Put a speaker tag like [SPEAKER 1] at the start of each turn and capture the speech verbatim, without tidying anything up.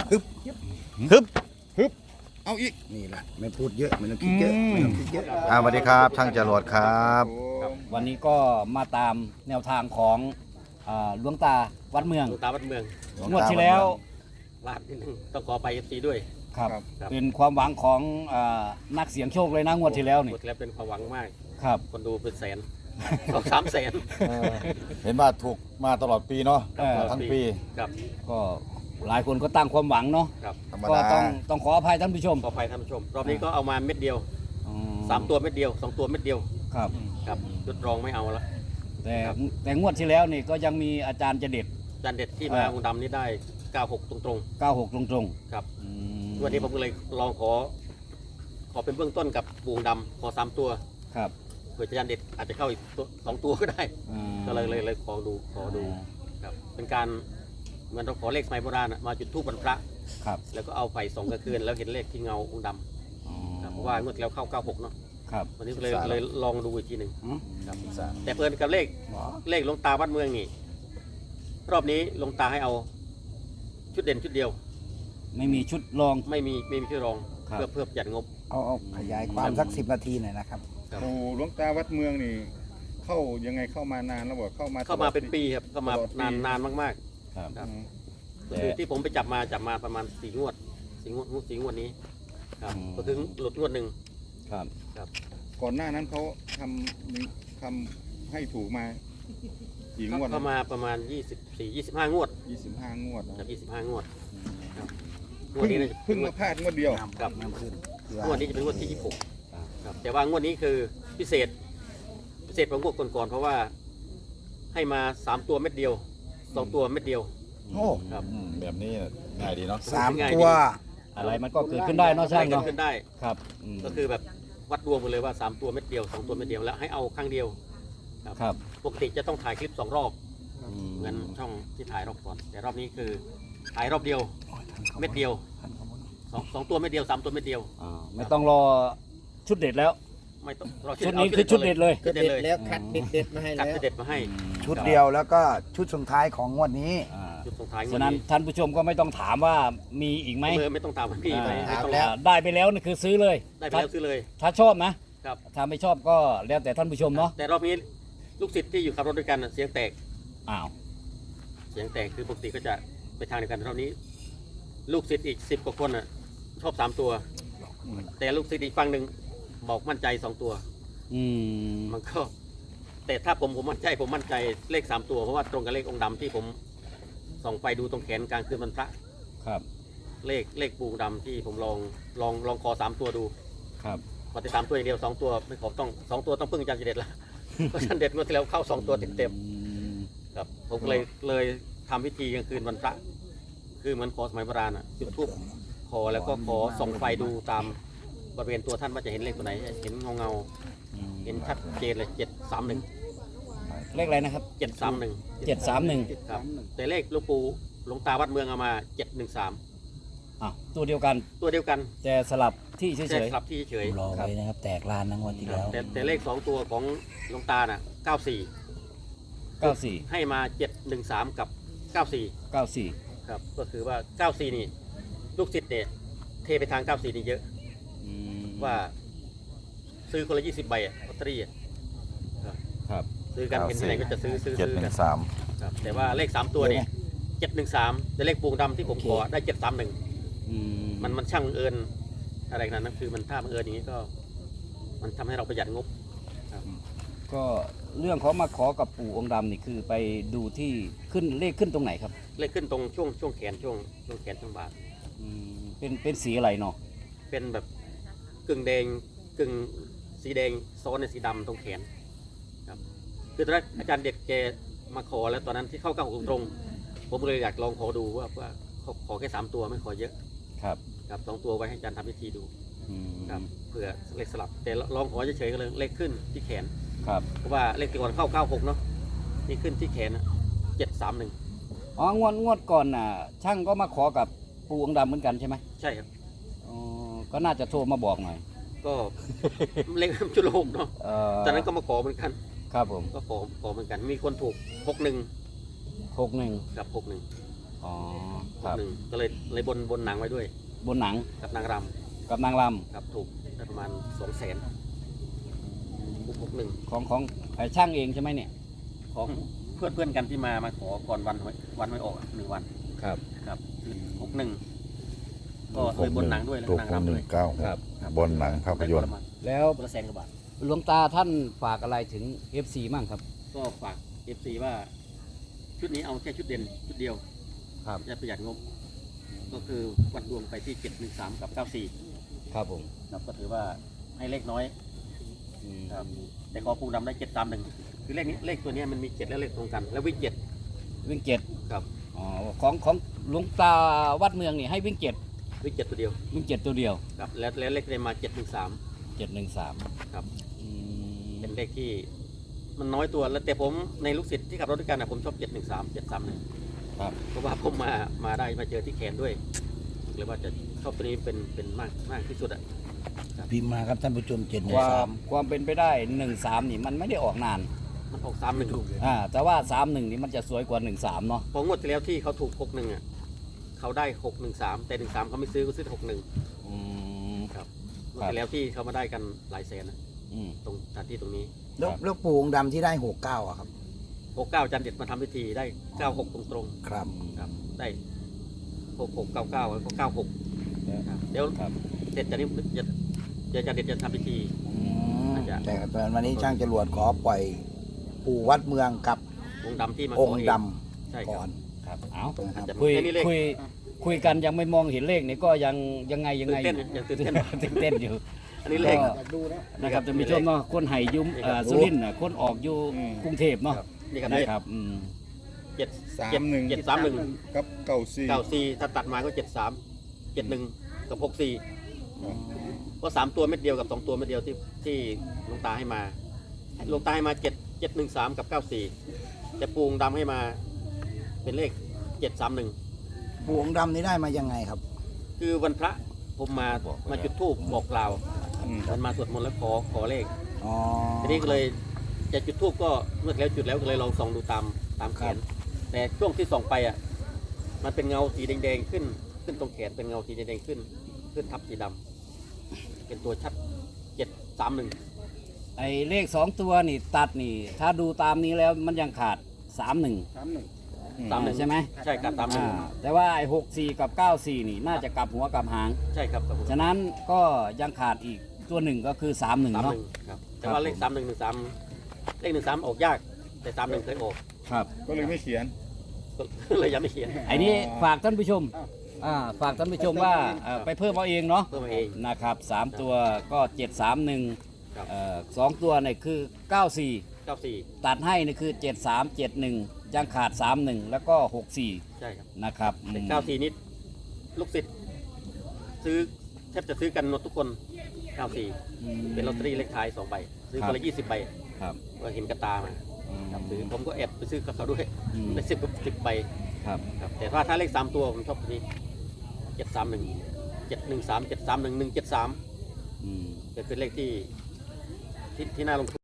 [SPEAKER 1] ฮึบ
[SPEAKER 2] ฮึบ
[SPEAKER 1] ฮึบเอาอีกนี่แหละไม่พูดเยอะไม่ต้องคิดเยอะไม่ต้องคิดเยอะ
[SPEAKER 2] อ่าสวัสดีครับช่างจรวดครับ
[SPEAKER 3] วันนี้ก็มาตามแนวทางของอ่าหลวงตาวัดเมือง
[SPEAKER 4] หลวงตาวัดเมือง
[SPEAKER 3] งวดที่แล้ว
[SPEAKER 4] ลาดนิดนึงต้องขอไปเอฟซีด้วย
[SPEAKER 3] ครับ
[SPEAKER 4] ครับ
[SPEAKER 3] เป็นความหวังของอ่านักเสียงโชคเลยนะงวดที่แล้วนี่
[SPEAKER 4] หมดแล้วเป็นความหวังมาก
[SPEAKER 3] ครับ
[SPEAKER 4] คนดูเป็นแสน สองสามแสน
[SPEAKER 2] เห็นว่าถูกมาตลอดปีเนาะ
[SPEAKER 3] เออ
[SPEAKER 2] ทั้งปี
[SPEAKER 4] ครับ
[SPEAKER 3] ก็หลายคนก็ตั้งความหวังเนาะ
[SPEAKER 4] ครับ
[SPEAKER 2] ธรรม
[SPEAKER 3] ก็
[SPEAKER 2] ดา
[SPEAKER 3] ต้องต้องขออภัยท่านผู้ชม
[SPEAKER 4] ขอไปท่านผู้ชม รอบนี้ก็เอามาเม็ดเดียว
[SPEAKER 3] อื
[SPEAKER 4] สามตัวเม็ดเดียวสองตัวเม็ดเดียว
[SPEAKER 3] ครับ
[SPEAKER 4] ครับจุดรองไม่เอาละ
[SPEAKER 3] แต่
[SPEAKER 4] ครับ
[SPEAKER 3] แต่งวดที่แล้วนี่ก็ยังมีอาจารย์จะเด็ด
[SPEAKER 4] จานเด็ดที่มา
[SPEAKER 3] อ่า
[SPEAKER 4] องค์ดำนี่ได้เก้าหกตรง
[SPEAKER 3] เก้าหกตรง
[SPEAKER 4] ๆครับ
[SPEAKER 3] ๆอืม
[SPEAKER 4] วันนี้ผมก็เลยลองขอ ขอเป็นเบื้องต้นกับปูองค์ดำขอสามตัว
[SPEAKER 3] ครับ
[SPEAKER 4] เผื่อจานเด็ดอาจจะเข้าอีกตัวสองตัวก็ได้
[SPEAKER 3] อืม
[SPEAKER 4] ก็เลยเลยเลยขอดูขอดูครับเป็นการเหมือนเราขอเลขสมัยโบราณอะมาจุดธูปวันพระ
[SPEAKER 3] ครับ
[SPEAKER 4] แล้วก็เอาไฟส่องกลางคืนแล้วเห็นเลขที่เงาองค์ดำ
[SPEAKER 3] อ๋อ
[SPEAKER 4] ครับเพราะว่างวดที่แล้วเข้าเก้าหกเนาะ
[SPEAKER 3] ครับ
[SPEAKER 4] วันนี้ก็เลยเลยลองดูอีกทีหนึ่ง
[SPEAKER 3] อืม
[SPEAKER 4] ครับแต่เพิ่นกับเลขเลขหลวงตาวัดเมืองนี่รอบนี้หลวงตาให้เอาชุดเด่นชุดเดียว
[SPEAKER 3] ไม่มีชุดรอง
[SPEAKER 4] ไม่มีไม่มีชุดรอง
[SPEAKER 3] ครับ
[SPEAKER 4] เพื่อเพื่อประหยัดงบ
[SPEAKER 5] เอาเอาขยายความสักสิบนาทีหน่อยนะครับ
[SPEAKER 4] ครับ
[SPEAKER 1] โอ้หลวงตาวัดเมืองนี่ เข้ายังไงเข้ามานานแล้วบอกเข้ามา
[SPEAKER 4] เข้ามาเป็นปีครับเข้ามา
[SPEAKER 1] ตลอดปี
[SPEAKER 4] นานนานมาก
[SPEAKER 3] ครับ
[SPEAKER 4] ครับ
[SPEAKER 1] อืม
[SPEAKER 4] ๆก็คือที่ผมไปจับมาจับมาประมาณสี่งวดสี่งวดสี่งวดนี้ครับ
[SPEAKER 3] อืม
[SPEAKER 4] ก็ถึงหลุดงวดหนึ่ง
[SPEAKER 3] ครับ
[SPEAKER 1] ก่อนหน้านั้นเขาทำทำให้ถูกมากี่งวด
[SPEAKER 4] เข้ามาประมาณยี่สิบสี่ยี่สิบห้างวด
[SPEAKER 1] ยี่สิบห้างวดนะครับ
[SPEAKER 4] ยี่สิบห้างวดครับงว
[SPEAKER 1] เพิ่
[SPEAKER 4] ด
[SPEAKER 1] ง
[SPEAKER 4] นี้น่าจะ
[SPEAKER 1] เพิ่งมาพลาดงวดเดียว
[SPEAKER 4] ครับ
[SPEAKER 5] น้ำขึ้น
[SPEAKER 4] งวดนี้จะเป็นงวดที่ยี่สิบหกครับแต่ว่างวดนี้คือพิเศษ พิเศษกว่างวดก่อนๆเพราะว่าให้มาสามตัวเม็ดเดียวสองตัวเม็ดเดียว
[SPEAKER 5] โอ้
[SPEAKER 4] ครับ
[SPEAKER 2] อืมแบบนี้ง่ายดีเนาะ
[SPEAKER 5] สาม
[SPEAKER 4] ง่ายดี
[SPEAKER 5] ตัว
[SPEAKER 3] อะไรมันก็เกิดขึ้นได้เนาะช่าง
[SPEAKER 4] ได้
[SPEAKER 3] เนาะ
[SPEAKER 4] ขึ้นได้
[SPEAKER 3] ครับอืม
[SPEAKER 4] ก็คือแบบวัดดวงไปเลยว่าสามตัวเม็ดเดียวสองตัวเม็ดเดียวแล้วให้เอาครั้งเดียว
[SPEAKER 3] ครับ
[SPEAKER 4] ปกติจะต้องถ่ายคลิปสองรอบ
[SPEAKER 3] อืม
[SPEAKER 4] เหมือนช่องที่ถ่ายรอบก่อน แต่รอบนี้คือถ่ายรอบเดียวเม็ดเดียวสองสองตัวเม็ดเดียวสามตัวเม็ดเดียว
[SPEAKER 3] อ่าไม่ต้องรอชุดเด็ดแล้ว
[SPEAKER 4] ไม่ต้องรอ
[SPEAKER 3] ชุดนี้คือชุดเด็ดเลย
[SPEAKER 4] ชุดเด็ดเลย
[SPEAKER 5] แล้วคัดเด็ดๆมาให้
[SPEAKER 4] กัด
[SPEAKER 5] แล้ว
[SPEAKER 4] ชุดเด็ดมาให้
[SPEAKER 5] ชุดเดียวแล้วก็ชุดสุดท้ายของงวดนี้
[SPEAKER 3] อ่า
[SPEAKER 4] จุดส่งท้ายงว
[SPEAKER 3] ฉะ
[SPEAKER 4] ด
[SPEAKER 3] นั้น
[SPEAKER 4] นี้
[SPEAKER 3] ท่านผู้ชมก็ไม่ต้องถามว่ามีอีกไหม
[SPEAKER 4] ไม่ไม่ต้องตามพี่ไป
[SPEAKER 3] อ่า
[SPEAKER 4] ไม่ต้อง
[SPEAKER 3] อ่าได้ไปแล้วนี่คือซื้อเลย
[SPEAKER 4] ได้ไปแล้วซื้อเลย
[SPEAKER 3] ถ้าชอบนะครับ ถ้าไม่ชอบก็แล้วแต่ท่านผู้ชมเนาะ
[SPEAKER 4] แต่รอบนี้ลูกศิษย์ที่อยู่ขับรถด้วยกันน่ะเสียงแตก
[SPEAKER 3] อ้าว
[SPEAKER 4] เสียงแตกคือปกติก็จะไปทางเดียวกันรอบนี้ ลูกศิษย์อีกสิบกว่าคนน่ะชอบสามตัว แต่ลูกศิษย์อีกฝั่งหนึ่งบอกมั่นใจสองตัว
[SPEAKER 3] อืม
[SPEAKER 4] มันก็ แต่ถ้าผมผมมั่นใจผมมั่นใจเลขสามตัวเพราะว่าตรงกับเลของค์ดำที่ผมส่องไปดูตรงแขนกลางคืนวันพระ
[SPEAKER 3] ครับ
[SPEAKER 4] เลขเลขปูดำที่ผมลองลองลองคอสามตัวดู
[SPEAKER 3] ครับ
[SPEAKER 4] พอติดสามตัวอย่างเดียวสองตัวไม่ขอต้องสองตัวต้องพึ่งอาจารย์เด็ดละ เพราะอาจารย์เด็ดงวดที่แล้วเข้าสองตัวเต็มเต็ม
[SPEAKER 3] อืม
[SPEAKER 4] ๆครับผมก็เลยเลยทำพิธีกลางคืนวันพระ คือเหมือนขอสมัยโบราณอ่ะจุดธูปขอแล้วก็ขอส่องไฟดูตามบริเวณตัวท่านว่าจะเห็นเลขตัวไหน เห็นเงาเงาๆเห็นชัดเจนเลยเจ็ดสามหนึ่ง
[SPEAKER 3] เลขอะไรนะครับ
[SPEAKER 4] เจ็ดสามหนึ่ง
[SPEAKER 3] เจ็ดสามหนึ่ง
[SPEAKER 4] ครับแต่เลขหลวงปู่หลวงตาวัดเมืองเอามาเจ็ดหนึ่งสาม
[SPEAKER 3] อ่ะตัวเดียวกัน
[SPEAKER 4] ตัวเดียวกัน
[SPEAKER 3] แต่สลับที่เฉ
[SPEAKER 4] แค่
[SPEAKER 3] ย
[SPEAKER 4] สลับที่เฉย
[SPEAKER 5] รอไว้นะครับ แตกลานนะงวดที่แล้ว
[SPEAKER 4] แต่แต่เลขสองตัวของหลวงตาน่ะเก้าสี่
[SPEAKER 3] ๆเก้าสี่
[SPEAKER 4] ให้มาเจ็ดหนึ่งสามกับเก้าสี่
[SPEAKER 3] เก้าสี่
[SPEAKER 4] ครับก็คือว่าเก้าสี่นี่ลูกศิษย์เนี่ยเทไปทางเก้าสี่นี่เยอะ
[SPEAKER 3] อืม
[SPEAKER 4] ว่าซื้อคนละยี่สิบใบอะลอตเตอรี่อะ
[SPEAKER 3] ครับ
[SPEAKER 4] ซื้อกันเห็นที่ไหนก็จะซื้อซื้อ
[SPEAKER 2] เจ็ด
[SPEAKER 4] ซื้อ
[SPEAKER 2] หนึ่
[SPEAKER 4] กัน
[SPEAKER 2] งสาม
[SPEAKER 4] ครับแต่ว่าเลขสามตัวเนี่ยเจ็ดหนึ่งสามแต่เลขปูงดำที่ผมขอได้เจ็ดสามหนึ่ง
[SPEAKER 3] อืม
[SPEAKER 4] มันมันช่างบังเอิญอะไรขนาดนั้นคือมันถ้าบังเอิญอย่างนี้ก็ มันทำให้เราประหยัดงบ
[SPEAKER 3] ก็เรื่องของมาขอกับปู่องค์ดำนี่คือไปดูที่ขึ้นเลขขึ้นตรงไหนครับ
[SPEAKER 4] เลขขึ้นตรงช่วงช่วงแขนช่วงช่วงแขนช่วงบ่า
[SPEAKER 3] อืมเป็นเป็นสีอะไรเนาะ
[SPEAKER 4] เป็นแบบกึ่งแดงกึ่งสีแดงซ้อนในสีดำตรงแขนครับคือตอนแรกอาจารย์เด็ดแกมาขอแล้วตอนนั้นที่เข้าเก้าหกตรงๆผมเลยอยากลองขอดูว่าว่าขอขอแค่สามตัวไม่ขอเยอะ
[SPEAKER 3] ครับ
[SPEAKER 4] ครับสองตัวไว้ให้อาจารย์ทำพิธีดู
[SPEAKER 3] อืม
[SPEAKER 4] ครับเผื่อเลขสลับ แต่ลองขอเฉยๆก็เลยเลขขึ้นที่แขน
[SPEAKER 3] ครับ
[SPEAKER 4] เพราะว่าเลขก่อนเข้าเก้าหกเนาะนี่ขึ้นที่แขนเจ็ดสามหนึ่ง
[SPEAKER 3] อ๋องวดงวดก่อนน่ะ ช่างก็มาขอกับปู่องค์ดำเหมือนกันใช่ไหม
[SPEAKER 4] ใช่ครับ
[SPEAKER 3] อ๋อก็น่าจะโทรมาบอกหน่อย
[SPEAKER 4] ก็ เลขชุดโลกเนาะ
[SPEAKER 3] เอ่อ
[SPEAKER 4] ตอนนั้นก็มาขอเหมือนกัน
[SPEAKER 3] ครับผม
[SPEAKER 4] ก็ขอขอเหมือนกัน มีคนถูกหกหนึ่ง
[SPEAKER 3] หกหนึ่ง
[SPEAKER 4] กับหกหนึ่ง
[SPEAKER 3] อ๋ออ๋อ
[SPEAKER 4] ห
[SPEAKER 3] ครั
[SPEAKER 4] ก
[SPEAKER 3] บ
[SPEAKER 4] หนึ่งก็เลยเลยบนบนหนังไว้ด้วย
[SPEAKER 3] บนหนัง
[SPEAKER 4] กับนางร
[SPEAKER 3] กับนางร
[SPEAKER 4] ำครับถูกได้ประมาณสองแสนหกหนึ่ง
[SPEAKER 3] ำของของไอ้ช่างเองใช่ไหมเนี่ย
[SPEAKER 4] ของเพื่อนเพื่อนๆกันที่มามาขอก่อนวันหวยวันไม่ออกอะหนึ่งวัน
[SPEAKER 3] ครับ
[SPEAKER 4] ครับคือหกหนึ่งก็เลยบนหนังด้วยแล้ว
[SPEAKER 2] ถู
[SPEAKER 4] ก็
[SPEAKER 2] ก
[SPEAKER 4] นาง
[SPEAKER 2] ห
[SPEAKER 4] รำ
[SPEAKER 2] นึ่
[SPEAKER 4] ด้วย
[SPEAKER 2] งเก้า
[SPEAKER 3] ครับ
[SPEAKER 2] บนหนังภาพยนตร์
[SPEAKER 3] แล้ว
[SPEAKER 4] คนละแสนกว่าบาท
[SPEAKER 3] หลวงตาท่านฝากอะไรถึง เอฟ ซี มั่งครับ
[SPEAKER 4] ก็ฝากเอฟซีว่าชุดนี้เอาแค่ชุดเด่นชุดเดียว
[SPEAKER 3] ครับ
[SPEAKER 4] จะประหยัดงบ ก็คือวัดดวงไปที่เจ็ดหนึ่งสามกับเก้าสี่
[SPEAKER 3] ครับผม
[SPEAKER 4] ครับก็ถือว่าให้เลขน้อย
[SPEAKER 3] อืม
[SPEAKER 4] ครับแต่ขอปูดำได้เจ็ดตามหนึ่งคือเลขนี้เลขตัวเนี้ยมันมีเจ็ดและเลขตรงกัน แล้ววิ่งเจ็ด
[SPEAKER 3] วิ่งเจ็ด
[SPEAKER 4] ครับ
[SPEAKER 3] อ๋อของของหลวงตาวัดเมืองนี่ให้วิ่งเจ็ด
[SPEAKER 4] วิ่งเจ็ดตัวเดียว
[SPEAKER 3] วิ่งเจ็ดตัวเดียว
[SPEAKER 4] ครับแล้วแล้วเลขเลยมาเจ็ดหนึ่งสาม
[SPEAKER 3] เจ็ดหนึ่งสาม
[SPEAKER 4] ครับ
[SPEAKER 3] อืม
[SPEAKER 4] เป็นเลขที่มันน้อยตัวแล้วแต่ผมในลูกศิษย์ที่ขับรถด้วยกันนะผมชอบเจ็ดหนึ่งสามเจ็ดสามหนึ่ง
[SPEAKER 3] ครับ
[SPEAKER 4] เพราะว่าผมมามาได้มาเจอที่แขนด้วยเลยว่าจะชอบตัวนี้เป็นเป็นมากมากที่สุดอ่ะ
[SPEAKER 5] พิมพ์มาครับท่านผู้ชมเจ็ด
[SPEAKER 3] ควา
[SPEAKER 5] สาม ม
[SPEAKER 3] ความเป็นไปได้หนึ่งสามนี่มันไม่ได้ออกนาน
[SPEAKER 4] มันออกสามหนึ่ง
[SPEAKER 3] อ่าแต่ว่าสามหนึ่งนี่มันจะสวยกว่าหนึ่งสามเนาะ
[SPEAKER 4] พองวดที่แล้วที่เขาถูกหกหนึ่งอ่ะเขาได้หกหนึ่งสามแต่หนึ่งสามเขาไม่ซื้อเขาซื้อหกหนึ่ง
[SPEAKER 3] อืม
[SPEAKER 4] ครับงวด
[SPEAKER 3] ครับ
[SPEAKER 4] ที่แล้วที่เขามาได้กันหลายแสนนะ
[SPEAKER 3] อืม
[SPEAKER 4] ตรงสถานที่ตรงนี้
[SPEAKER 5] แล้ว
[SPEAKER 3] ครับ
[SPEAKER 5] แล้วปู่องค์ดำที่ได้หกเก้าอะครับ
[SPEAKER 4] หกเก้าจันเด็ดมาทำพิธีได้เก้าหกตรงตรง
[SPEAKER 5] ครับ
[SPEAKER 4] ๆครับได้หกหกเก้าเก้าแล้วก็เก้าหกครับเดี๋ยว
[SPEAKER 3] ครับ
[SPEAKER 4] เสร็จจากนี้จะเดี๋ยวจันเด็ดจะทำพิธี
[SPEAKER 5] อืม
[SPEAKER 4] น่าจะ
[SPEAKER 5] แต่ตอนวันนี้ช่างจรวดขอปล่อยปู่วัดเมืองกับ
[SPEAKER 4] องค์ดำที่มา
[SPEAKER 5] อง
[SPEAKER 4] ข
[SPEAKER 5] ค์
[SPEAKER 4] เ
[SPEAKER 5] ด
[SPEAKER 4] ใช่
[SPEAKER 5] ำ
[SPEAKER 4] ค
[SPEAKER 5] ก่
[SPEAKER 4] รั
[SPEAKER 5] อบ น
[SPEAKER 3] ครับเอา
[SPEAKER 5] นะครับ
[SPEAKER 4] จะ
[SPEAKER 3] คุย
[SPEAKER 4] แค่นี้เลข
[SPEAKER 3] คุยคุยกันยังไม่มองเห็นเลขนี่ก็ยังยังไงยังไง
[SPEAKER 4] ตื่นเต้นยังตื่นเต้น
[SPEAKER 3] ตื่นเต้นอยู่
[SPEAKER 4] อันนี้เลข
[SPEAKER 3] ก็นะครับจะมีชมเนาะคนไห่ยุ้มเอ่อสุรินทร์น่ะคนออกอยู่
[SPEAKER 1] อืม
[SPEAKER 3] กรุงเทพเนาะ
[SPEAKER 4] นี่ครับ
[SPEAKER 3] นะครับอืม
[SPEAKER 4] เจ็ด
[SPEAKER 1] สาม
[SPEAKER 4] เจ็ด
[SPEAKER 1] หนึ่ง
[SPEAKER 4] เจ็ดสามหนึ่ง
[SPEAKER 1] กับเก้าสี่
[SPEAKER 4] เก้าสี่ถ้าตัดมาก็เจ็ดสามเจ็ดหนึ่งกับหกสี่ก็สามตัวเม็ดเดียวกับสองตัวเม็ดเดียวที่ที่หลวงตาให้มาหลวงตาให้มาเจ็ดเจ็ดหนึ่งสามกับเก้าสี่แต่ปูงดำให้มาเป็นเลขเจ็ดสามหนึ่ง
[SPEAKER 5] ปู่องค์ดำนี่ได้มายังไงครับ
[SPEAKER 4] คือวันพระผมมามาจุดธูปบอกกล่าว
[SPEAKER 1] อืม
[SPEAKER 4] มันมาสวดมนต์แล้วขอขอเลข
[SPEAKER 5] อ๋อ
[SPEAKER 4] ทีนี้ก็เลยจะจุดธูปก็เมื่อแล้วจุดแล้วก็เลยลองส่องดูตามตามแขน แต่ช่วงที่ส่องไปอ่ะมันเป็นเงาสีแดงๆขึ้น ขึ้นตรงแขนเป็นเงาสีแดงๆขึ้น ขึ้นทับสีดำเป็นตัวชัดเจ็ดสามหนึ่ง
[SPEAKER 3] ไอ้เลขสองตัวนี่ตัดนี่ ถ้าดูตามนี้แล้วมันยังขาดสามหนึ่ง
[SPEAKER 4] สามหนึ่ง
[SPEAKER 3] ใช่ไหม
[SPEAKER 4] ใช่ครับสามหนึ่ง
[SPEAKER 3] อ่าแต่ว่าไอ้หกสี่กับเก้าสี่นี่น่าจะกลับหัวกลับหาง
[SPEAKER 4] ใช่ครับครับผม
[SPEAKER 3] ฉะนั้นก็ยังขาดอีกตัวหนึ่งก็คือสามหนึ่ง
[SPEAKER 4] สามห
[SPEAKER 3] เนาะ
[SPEAKER 4] นึ่งครับแต่
[SPEAKER 3] ครับ
[SPEAKER 4] ว่าเลข
[SPEAKER 3] ผม
[SPEAKER 4] สามหนึ่งหนึ่งสามเลขหนึ่งสามออกยาก แต่สามหนึ่งเคยออก
[SPEAKER 3] ครับ
[SPEAKER 1] ก็เลยไม่เขียน
[SPEAKER 4] ก็เลยยังไม่เขียน
[SPEAKER 3] ไอ้นี้ฝากท่านผู้ชมอ่าฝากท่านผู้ชมว่าเอ่อไปเพิ่มเอาเองเนาะ
[SPEAKER 4] เพิ่มมาเอง
[SPEAKER 3] นะครับสามตัวก็เจ็ดสามหนึ่ง
[SPEAKER 4] ครับ
[SPEAKER 3] เอ่อสองตัวเนี่ยคือเก้าสี่
[SPEAKER 4] เก้าสี่
[SPEAKER 3] ตัดให้นี่คือเจ็ดสามเจ็ดหนึ่งยังขาดสามหนึ่งแล้วก็หกสี่
[SPEAKER 4] ใช่ครับ
[SPEAKER 3] นะครับ
[SPEAKER 4] แต่
[SPEAKER 3] อืม
[SPEAKER 4] เก้าสี่นิดลูกศิษย์ซื้อแทบจะซื้อกันหมดทุกคนเก้าสี่
[SPEAKER 3] อืม
[SPEAKER 4] เป็นลอตเตอรี่เลขท้ายสองใบซื้อ
[SPEAKER 3] ครั
[SPEAKER 4] คน
[SPEAKER 3] บ
[SPEAKER 4] ละยี่สิบใบ
[SPEAKER 3] ครับ
[SPEAKER 4] ก็เห็นกระตามา
[SPEAKER 3] อืม
[SPEAKER 4] ครับซื้อผมก็แอบไปซื้อกับเขาด้วย
[SPEAKER 3] อืม
[SPEAKER 4] ได้สิบกับสิบใบ
[SPEAKER 3] ครับ
[SPEAKER 4] ครับแต่ถ้าถ้าเลขสามตัวผมชอบตัวนี้เจ็ดสามหนึ่งเจ็ดหนึ่งสามเจ็ดสามหนึ่งหนึ่งเจ็ดสาม
[SPEAKER 3] อืม
[SPEAKER 4] เป็นเลขที่ที่ที่น่าลงทุน